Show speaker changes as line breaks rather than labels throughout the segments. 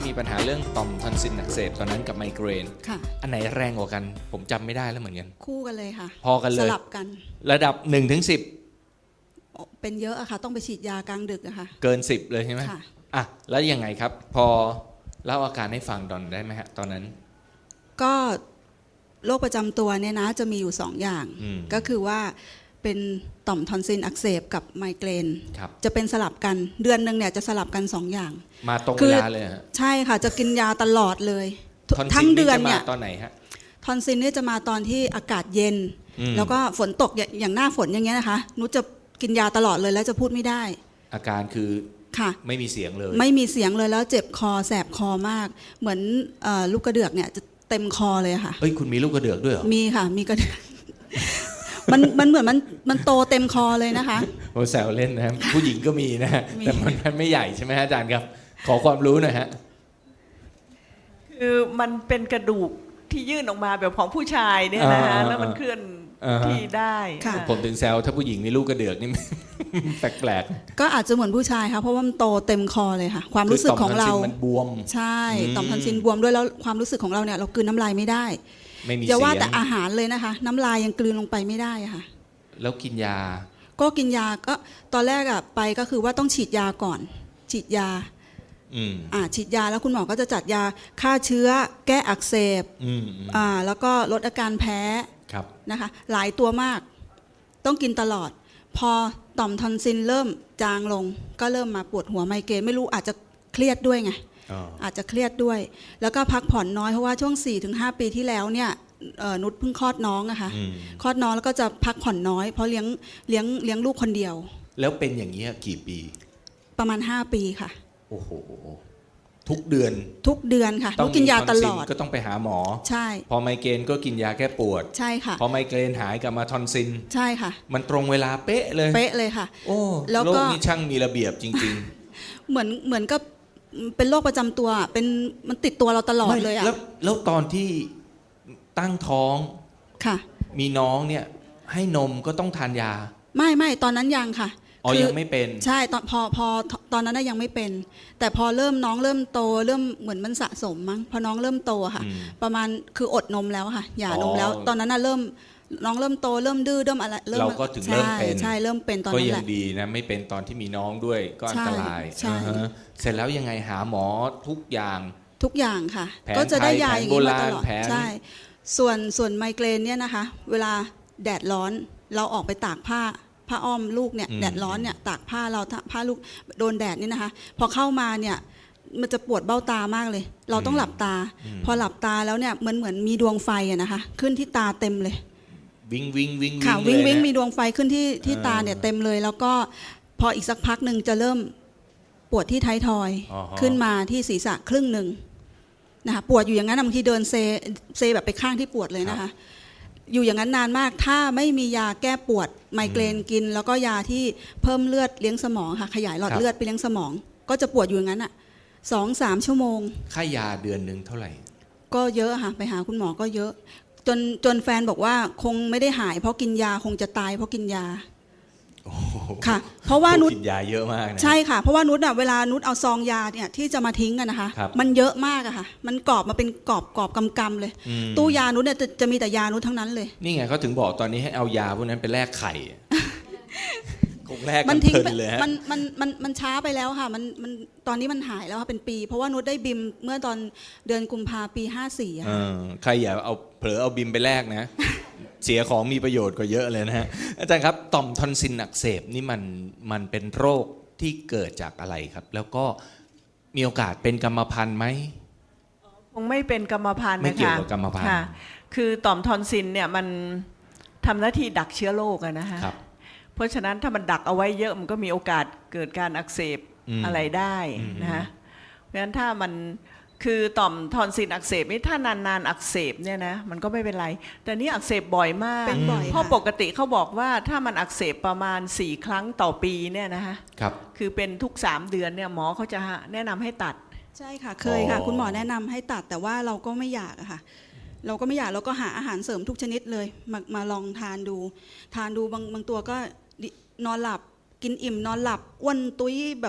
มีปัญหาเรื่องต่อมทอนซิลอักเสบตอนนั้นกับไมเกรน
ค่ะ
อันไหนแรงกว่ากันผมจำไม่ได้แล้วเหมือนกัน
คู่กันเลยค่ะ
พอกันเลย
สลับกัน
ระดับ1 ถึง 10
เป็นเยอะอะค่ะต้องไปฉีดยากลางดึกอะค่ะ
เกิน10เลยใช่ไหม
ค่ะ
อ่ะแล้วยังไงครับพอเล่าอาการให้ฟังดอนได้ไหมฮะตอนนั้น
ก็โรคประจำตัวเนี่ยนะจะมีอยู่2อย่างก็คือว่าเป็นต่อมทอนซิลอักเสบกับไมเกรนจะเป็นสลับกันเดือนนึงเนี่ยจะสลับกัน2อย่าง
มาตรงเวลาเลยฮะ
ใช่ค่ะจะกินยาตลอดเลย
ทั้งเดือนเนี่ย
ท
ตอนไหนฮะ
ทอนซิลเนี่ยจะมาตอนที่อากาศเย็นแล้วก็ฝนตกอย่างหน้าฝนอย่างเงี้ยนะคะนุชจะกินยาตลอดเลยแล้วจะพูดไม่ได้
อาการคือ
ค่ะ
ไม่มีเสียงเลย
ไม่มีเสียงเลยแล้วเจ็บคอแสบคอมากเหมือนลูกกระเดือกเนี่ยจะเต็มคอเลยค่ะ
เอ้ยคุณมีลูกกระเดือกด้วยเหรอ
มีค่ะมีกระเดือกมันเหมือนมันโตเต็มคอเลยนะคะ
โอ้แซวเล่นนะผู้หญิงก็มีนะแต่มันไม่ใหญ่ใช่ไหมฮะอาจารย์ครับขอความรู้หน่อยฮะ
คือมันเป็นกระดูกที่ยื่นออกมาแบบของผู้ชายเนี่ยนะฮะแล้วมันเคลื่อนที่ได้
ผมถึงแซวถ้าผู้หญิงมีลูกกระเดือกนี่ แปลก
ๆก็อาจจะเหมือนผู้ชายค่ะเพราะว่ามันโตเต็มคอเลยค่ะความรู้สึกของเรา
มันบวม
ใช่ต่อมทอนซิลบวมด้วยแล้วความรู้สึกของเราเนี่ยเรากลืนน้ำลายไม่ได้
ไม่มี
อย่าว่าแต่อาหารเลยนะคะน้ำลายยังกลืนลงไปไม่ได้ค่ะ
แล้วกินยา
ก็กินยาก็ตอนแรกอะไปก็คือว่าต้องฉีดยาก่อนฉีดยาฉีดยาแล้วคุณหมอก็จะจัดยาฆ่าเชื้อแก้อักเสบแล้วก็ลดอาการแพ้นะคะหลายตัวมากต้องกินตลอดพอต่อมทอนซิลเริ่มจางลงก็เริ่มมาปวดหัวไมเกรนไม่รู้อาจจะเครียดด้วยไงอาจจะเครียดด้วยแล้วก็พักผ่อนน้อยเพราะว่าช่วง 4-5 ปีที่แล้วเนี่ยนุชเพิ่งคลอดน้องอะค่ะคลอดน้องแล้วก็จะพักผ่อนน้อยเพราะเลี้ยงลูกคนเดียว
แล้วเป็นอย่างนี้กี่ปี
ประมาณ5 ปีค่ะ
โอ้โหทุกเดือน
ค่ะต้องกินยาตลอด
ก็ต้องไปหาหมอ
ใช่
พอไมเกรนก็กินยาแก้ปวด
ใช่ค่ะ
พอไมเกรนหายกลับมาทอนซิล
ใช่ค่ะ
มันตรงเวลาเป๊ะเลยค่ะ
โอ้
แล้วโรคนี้ช่างมีระเบียบจริง
ๆเหมือนกับเป็นโรคประจำตัวเป็นมันติดตัวเราตลอดเลยอะ
แล้วตอนที่ตั้งท้อง
ค่ะ
มีน้องเนี่ยให้นมก็ต้องทานยา
ไม่ตอนนั้นยังค่ะ
ยังไม่เป็น
ใช่พอตอนนั้นยังไม่เป็นแต่พอน้องเริ่มโตเริ่มเหมือนมันสะสมมั้งพอน้องเริ่มโตค่ะประมาณคืออดนมแล้วค่ะหย่านมแล้วตอนนั้นน่ะน้องเริ่มโตเริ่มดื้อเริ่มอะไร
เราก็ถึงเริ่มเป็น
ใช่เริ่มเป็นตอนนั้นแหละ
ก็ยังดีนะไม่เป็นตอนที่มีน้องด้วยก็อันตรายเสร็จแล้วยังไงหาหมอทุกอย่าง
ค่ะก็จะได้ยาอย่างนี้มาตลอดใช่ส่วนไมเกรนเนี่ยนะคะเวลาแดดร้อนเราออกไปตากผ้าอ้อมลูกเนี่ยแดดร้อนเนี่ยตากผ้าเราผ้าลูกโดนแดดนี่นะคะพอเข้ามาเนี่ยมันจะปวดเบ้าตามากเลยเราต้องหลับตาพอหลับตาแล้วเนี่ยเหมือนมีดวงไฟอะนะคะขึ้นที่ตาเต็มเลย
วิง
ค่ะวิงมีดวงไฟขึ้นที่ตาเนี่ยเต็มเลยแล้วก็พออีกสักพักหนึ่งจะเริ่มปวดที่ท้ายทอยขึ้นมาที่ศีรษะครึ่งหนึ่งนะคะปวดอยู่อย่างนั้นบางทีเดินเซแบบไปข้างที่ปวดเลยนะคะอยู่อย่างนั้นนานมากถ้าไม่มียาแก้ปวดไมเกรนกินแล้วก็ยาที่เพิ่มเลือดเลี้ยงสมองค่ะขยายหลอดเลือดไปเลี้ยงสมองก็จะปวดอยู่อย่างนั้นอ่ะ2-3 ชั่วโมง
ค่ายาเดือนนึงเท่าไหร่
ก็เยอะค่ะไปหาคุณหมอก็เยอะจนแฟนบอกว่าคงไม่ได้หายเพราะกินยาคงจะตายเพราะกินยาค่ะเพราะว่านุช
กินยาเยอะมากนะ
ใช่ค่ะเพราะว่านุชอ่ะเวลานุชเอาซองยาเนี่ยที่จะมาทิ้งกันนะคะมันเยอะมากอะค่ะมันกรอบมาเป็นกรอบกำเลยตู้ยานุชเนี่ยจะมีแต่ยานุชทั้งนั้นเลย
นี่ไงเขาถึงบอกตอนนี้ให้เอายาพวกนั้นไปแลกไข่คงแลก
มันทิ้งเลยฮะมันช้าไปแล้วค่ะมันตอนนี้มันหายแล้วค่ะเป็นปีเพราะว่านุชได้บิมเมื่อตอนเดือนกุมภาพันธ์ปี54ค่ะ
ใครอย่าเอาเผลอเอาบิมไปแลกนะเสียของมีประโยชน์กว่าเยอะเลยนะฮะอาจารย์ครับต่อมทอนซิลอักเสบนี่มันเป็นโรคที่เกิดจากอะไรครับแล้วก็มีโอกาสเป็นกรรมพันธุ์ไหม
คงไม่เป็นกรรมพันธุ์นะคะ
ไม่เกี่ยวกับกรรมพันธุ์
คือต่อมทอนซิลเนี่ยมันทำหน้าที่ดักเชื้อโรคนะฮะเพราะฉะนั้นถ้ามันดักเอาไว้เยอะมันก็มีโอกาสเกิดการอักเสบอะไรได้นะฮะเพราะฉะนั้นถ้ามันคือต่อมทอนซิลอักเสบนี่ถ้านานๆอักเสบเนี่ยนะมันก็ไม่เป็นไรแต่นี่อักเสบบ่อยมากเพราะปกติเขาบอกว่าถ้ามันอักเสบประมาณ4 ครั้งต่อปีเนี่ยนะฮะคือเป็นทุก3 เดือนเนี่ยหมอเขาจะแนะนำให้ตัด
ใช่ค่ะเคยค่ะคุณหมอแนะนำให้ตัดแต่ว่าเราก็ไม่อยากอะค่ะเราก็ไม่อยากเราก็หาอาหารเสริมทุกชนิดเลยมาลองทานดูบางตัวก็นอนหลับกินอิ่มนอนหลับอ้วนตุ้ยแบบ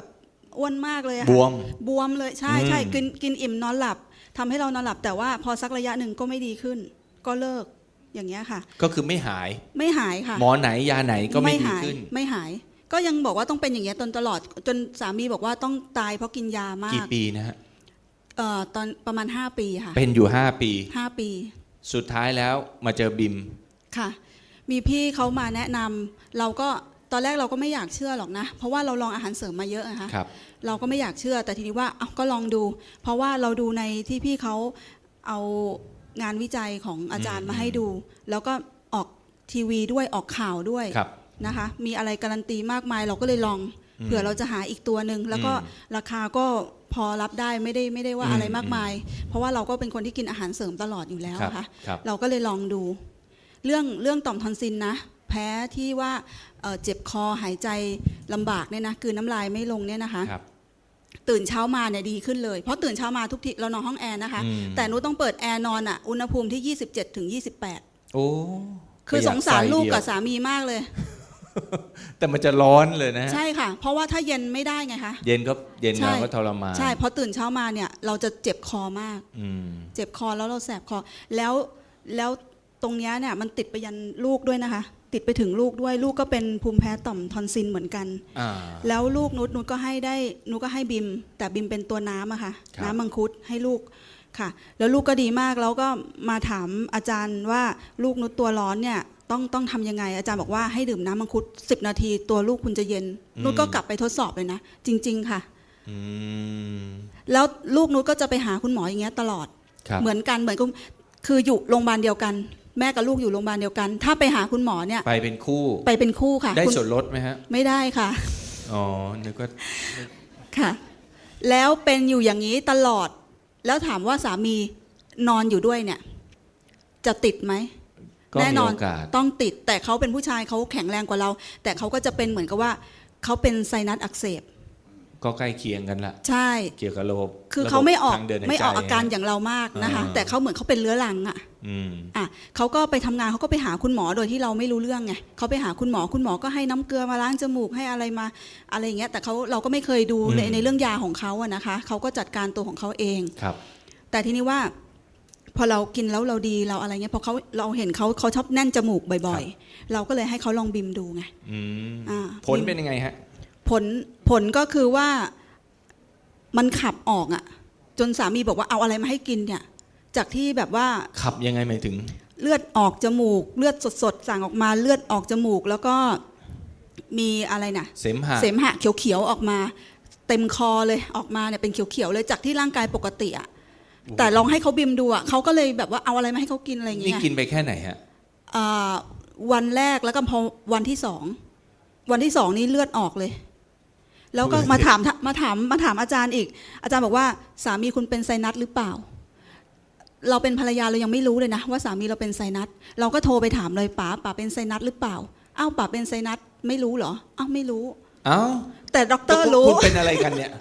อ้วนมากเลยอะ
บ
ค่ะ
วม
บวมเลยใช่ใช่กินอิ่มนอนหลับทำให้เรานอนหลับแต่ว่าพอสักระยะหนึ่งก็ไม่ดีขึ้น ก็เลิกอย่างเงี้ยค่ะ
ก็คือไม่หาย
ไม่หายค่ะ
หมอไหนยาไหนก็ไม่ดี
หาย
ขึ้น
ไม่หาย ก็ยังบอกว่าต้องเป็นอย่างเงี้ยจนตลอดจนสามีบอกว่าต้องตายเพราะกินยามาก
กี่ปีนะฮะ
ตอนประมาณ5 ปีค่ะ
เป็นอยู่ 5 ปี
5 ปี
สุดท้ายแล้วมาเจอบิม
ค่ะ มีพี่เขามาแนะนำเราก็ตอนแรกเราก็ไม่อยากเชื่อหรอกนะ เพราะว่าเราลองอาหารเสริมมาเยอะนะคะ
ครับ
เราก็ไม่อยากเชื่อแต่ทีนี้ว่าเอาก็ลองดู เพราะว่าเราดูในที่พี่เขาเอางานวิจัยของอาจารย์มาให้ดู แล้วก็ออกทีวีด้วยออกข่าวด้วย
ครับ
นะคะ มีอะไรการันตีมากมายเราก็เลยลองเผื่อเราจะหาอีกตัวหนึ่งแล้วก็ราคาก็พอรับได้ไม่ได้ว่าอะไรมากมาย เพราะว่าเราก็เป็นคนที่กินอาหารเสริมตลอดอยู่แล้ว
ครับ
ค่ะ
ครับ
เราก็เลยลองดู เรื่องต่อมทอนซิลนะ แพ้ที่ว่าเจ็บคอหายใจลำบากเนี่ยนะกลืนน้ำลายไม่ลงเนี่ยนะคะ
ครับ
ตื่นเช้ามาเนี่ยดีขึ้นเลยเพราะตื่นเช้ามาทุกทีเรานอนห้องแอร์นะคะ แต่หนูต้องเปิดแอร์นอนอ่ะอุณหภูมิที่ 27 ถึง 28
โอ้
คือสงสารลูกกับ
ส
สามีมากเลย
แต่มันจะร้อนเลยนะฮะ
ใช่ค่ะ เพราะว่าถ้าเย็นไม่ได้ไงคะ
เย็นเราก็ทรมาน
ใช่เพราะตื่นเช้ามาเนี่ยเราจะเจ็บคอมาก
อืม
เจ็บคอแล้วเราแสบคอแล้วตรงเนี้ยเนี่ยมันติดไปยันลูกด้วยนะคะ ติดไปถึงลูกด้วยลูกก็เป็นภูมิแพ้ต่อมทอนซิลเหมือนกัน
อ่า
แล้วลูกนุชก็ให้บิมแต่บิมเป็นตัวน้ำอะค่ะ
ครับ
น้ำมังคุดให้ลูกค่ะ แล้วลูกก็ดีมากแล้วก็มาถามอาจารย์ว่าลูกนุชตัวร้อนเนี่ยต้องทำยังไงอาจารย์บอกว่าให้ดื่มน้ำมังคุด10 นาทีตัวลูกคุณจะเย็นนุชก็กลับไปทดสอบเลยนะจริง ๆค่ะ
อืม
แล้วลูกนุชก็จะไปหาคุณหมออย่างเงี้ยตลอด
ครับ
เหมือนกันคืออยู่โรงพยาบาลเดียวกัน แม่กับลูกอยู่โรงพยาบาลเดียวกัน ถ้าไปหาคุณหมอเนี่ย
ไปเป็นคู่
ไปเป็นคู่ค่ะ
ได้
คุณ
ส่วนลดไหมฮะ
ไม่ได้ค่ะ
อ๋อ นึกว่า
ค่ะ แล้วเป็นอยู่อย่างนี้ตลอด แล้วถามว่าสามีนอนอยู่ด้วยเนี่ย จะติดไหม
ก็
แน่
มี
นอน
โอกาส
ต้องติด แต่เขาเป็นผู้ชายเขาแข็งแรงกว่าเรา แต่เขาก็จะเป็นเหมือนกับว่าเขาเป็นไซนัสอักเสบ
ก็ใกล้เคียงกันละ
ใช่
เกี่ยวกับระบบ
คือเขาไม่ออก
ทงเดินหายใจ
ไม่ออกอาการอย่างเรามากนะคะ
อ่า
แต่เขาเหมือนเขาเป็นเรื้อรังอ่ะ
อืม
อ่ะเขาก็ไปทำงานเขาก็ไปหาคุณหมอโดยที่เราไม่รู้เรื่องไงเขาไปหาคุณหมอก็ให้น้ำเกลือมาล้างจมูกให้อะไรมาอะไรอย่างเงี้ยแต่เราก็ไม่เคยดูในเรื่องยาของเขาอะนะคะเขาก็จัดการตัวของเขาเอง
ครับ
แต่ทีนี้ว่าพอเรากินแล้วเราดีเราอะไรเงี้ยพอเราเห็นเขาชอบแน่นจมูกบ่อยๆ เราก็เลยให้เขาลองบิมดูไง
อืม
อ่า
ผลเป็นยังไงฮะ
ผลก็คือว่ามันขับออกอะจนสามีบอกว่าเอาอะไรมาให้กินเนี่ย จากที่แบบว่า
ขับยังไงหมายถึง
เลือดออกจมูก เลือดสดๆสั่งออกมาเลือดออกจมูก แล้วก็มีอะไรนะ
เสมหะ
เสมหะเขียวๆออกมา เต็มคอเลยออกมาเนี่ยเป็นเขียวๆเลยจากที่ร่างกายปกติอะแต่ลองให้เขาบิมดูอะเขาก็เลยแบบว่าเอาอะไรมาให้เขากินอะไรอย่าง
นี่
เงี้ย
กินไปแค่ไหนฮะ
วันแรกแล้วก็พอวันที่สองนี่เลือดออกเลย แล้วก็มาถามอาจารย์อีก อาจารย์บอกว่าสามีคุณเป็นไซนัสหรือเปล่า เราเป็นภรรยาเรายังไม่รู้เลยนะว่าสามีเราเป็นไซนัสเราก็โทรไปถามเลยป๋าเป็นไซนัสหรือเปล่าอ้าวป๋าเป็นไซนัสไม่รู้เหรออ้าวไม่รู้
เอ้า
แต่ด็อกเตอร์รู้
คุณเป็นอะไรกันเนี่ย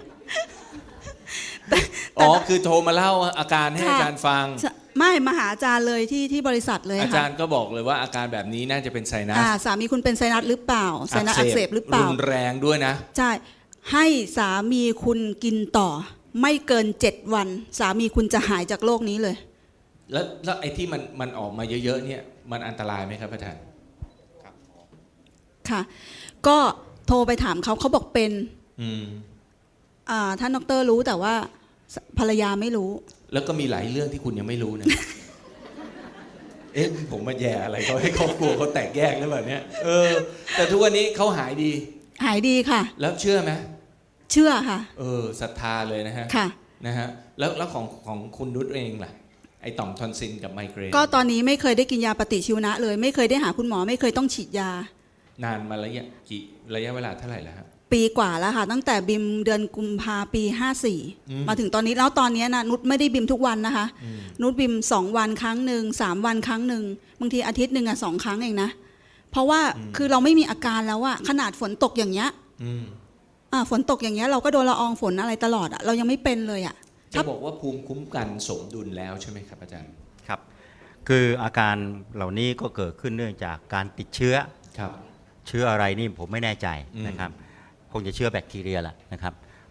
อ๋อ คือโทรมาเล่าอาการให้อาจารย์ฟัง
ไม่มาหาอาจารย์เลยที่บริษัทเลย
อา
ค่ะ
จารย์ก็บอกเลยว่าอาการแบบนี้น่าจะเป็นไซนัส
สามีคุณเป็นไซนัสหรือเปล่าไซนัสอักเสบหรือเปล่า
รุนแรงด้วยนะ
ใช่ให้สามีคุณกินต่อ ไม่เกิน7 วัน สามีคุณจะหายจากโรคนี้เลย
แล้วไอ้ที่มันออกมาเยอะๆเนี่ยมันอันตรายไหมครับอาจารย์
ค่ะ ก็โทรไปถามเขาบอกเป็น
อืม
ท่านดรรู้แต่ว่าภรรยาไม่รู้
แล้วก็มีหลายเรื่องที่คุณยังไม่รู้นะ เอ๊ะผมมาแย่อะไรเขาให้ครอบครัวเขาแตกแยกหรือเปล่าเนี่ยแต่ทุกวันนี้เขาหายดี
หายดีค่ะ
แล้วเชื่อไหม
เชื่อค่ะ
ศรัทธาเลยนะฮะ
ค่ะ
นะฮะแล้วของคุณนุชเองล่ะไอ้ต่อมทอนซิลกับไมเกรน
ก็ตอนนี้ไม่เคยได้กินยาปฏิชีวนะเลย ไม่เคยได้หาคุณหมอไม่เคยต้องฉีดยา
นานมาระยะเวลาเท่าไหร่แล้วฮะ
ปีกว่าแล้วค่ะ ตั้งแต่บิมเดือนกุมภาปี54มาถึงตอนนี้แล้วตอนนี้นะนุชไม่ได้บิมทุกวันนะคะ นุชบิม2 วันครั้งหนึ่ง3 วันครั้งหนึ่งบางทีอาทิตย์หนึ่ง2 ครั้งเองนะเพราะว่าคือเราไม่มีอาการแล้วอะขนาดฝนตกอย่างเงี้ยฝนตกอย่างเงี้ยเราก็โดนละอองฝนอะไรตลอดอะเรายังไม่เป็นเลยอะ
จะบอกว่าภูมิคุ้มกันสมดุลแล้วใช่ไหมครับอาจารย์
ครับคืออาการเหล่านี้ก็เกิดขึ้นเนื่องจากการติดเชื้อ
ครับ
เชื้ออะไรนี่ผมไม่แน่ใจ
อืม
นะครับคงจะเชื้อแบคทีเรียแหละนะครับ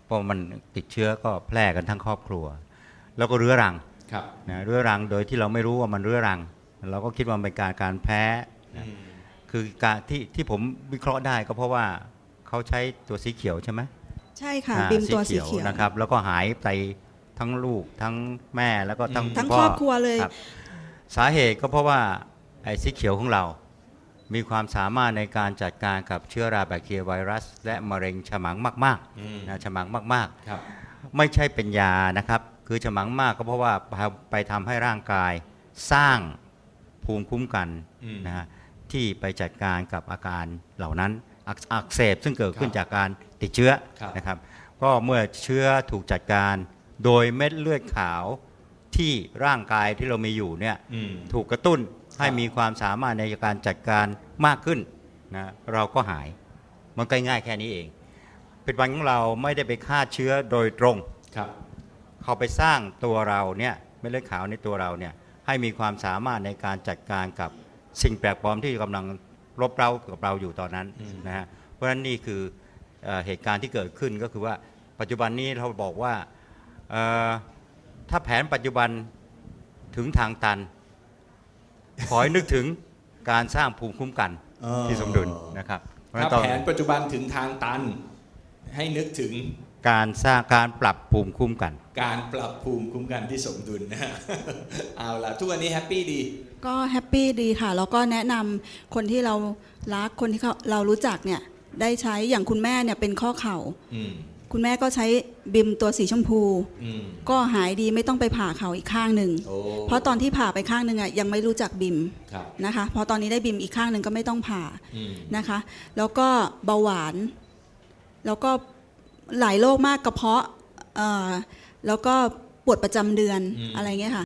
เพราะมันติดเชื้อก็แพร่กันทั้งครอบครัว แล้วก็เรื้อรัง
ครับ
นะเรื้อรังโดยที่เราไม่รู้ว่ามันเรื้อรัง เราก็คิดว่ามันเป็นการแพ้นะคือการที่ผมวิเคราะห์ได้ก็เพราะว่าเขาใช้ตัวสีเขียวใช่ไหม
ใช่ค่ะบิมตัวสีเขียว
นะครับแล้วก็หายไปทั้งลูกทั้งแม่แล้วก็ทั้ง
ทั้ง
พ่
ครอบครัวเลย
ครับสาเหตุก็เพราะว่าไอ้สีเขียวของเรา มีความสามารถในการจัดการกับเชื้อราแบคทีเรียไวรัส และมะเร็งฉมังมากๆนะฉมังมาก
ครับ
ๆ ไม่ใช่เป็นยานะครับคือฉมังมากก็เพราะว่าไปทำให้ร่างกายสร้างภูมิคุ้มกันนะฮะที่ไปจัดการกับอาการเหล่านั้นอักเสบซึ่งเกิดขึ้นจากการติดเชื้อนะครับก็เมื่อเชื้อถูกจัดการโดยเม็ดเลือดขาวที่ร่างกายที่เรามีอยู่เนี่ยถูกกระตุ้นให้มีความสามารถในการจัดการมากขึ้นนะเราก็หายมันง่ายๆแค่นี้เองผลิตภัณฑ์ของเราไม่ได้ไปฆ่าเชื้อโดยตรง
ครับ
เขาไปสร้างตัวเราเนี่ยเม็ดเลือดขาวในตัวเราเนี่ยให้มีความสามารถในการจัดการกับสิ่งแปลกปลอมที่กำลังรบเร้ากับเราอยู่ตอนนั้นนะฮะเพราะฉะนั้นนี่คือเหตุการณ์ที่เกิดขึ้นก็คือว่าปัจจุบันนี้เราบอกว่าถ้าแผนปัจจุบันถึงทางตัน ขอให้นึกถึงการสร้างภูมิคุ้มกันที่สมดุลนะครับเพราะฉะนั้
ถ้าน แผนปัจจุบันถึงทางตันให้นึกถึง
การสร้างการปรับภูมิคุ้มกัน
การปรับภูมิคุ้มกันที่สมดุลนะฮะ เอาล่ะทุกวันนี้แฮปปี้ดี
ก็แฮปปี้ดีค่ะ แล้วก็แนะนำคนที่เรารักคนที่เรารู้จักเนี่ยได้ใช้อย่างคุณแม่เนี่ยเป็นข้อเข่า
อืม
คุณแม่ก็ใช้บิมตัวสีชมพู
อืม
ก็หายดีไม่ต้องไปผ่าเข่าอีกข้างหนึ่ง
โอ้
เพราะตอนที่ผ่าไปข้างหนึ่งอ่ะยังไม่รู้จักบิม
ครับ
นะคะพอตอนนี้ได้บิมอีกข้างหนึ่งก็ไม่ต้องผ่า
อืม
นะคะ แล้วก็เบาหวาน แล้วก็หลายโรคมากกระเพาะแล้วก็ปวดประจำเดือนอะไรเงี้ยค่ะ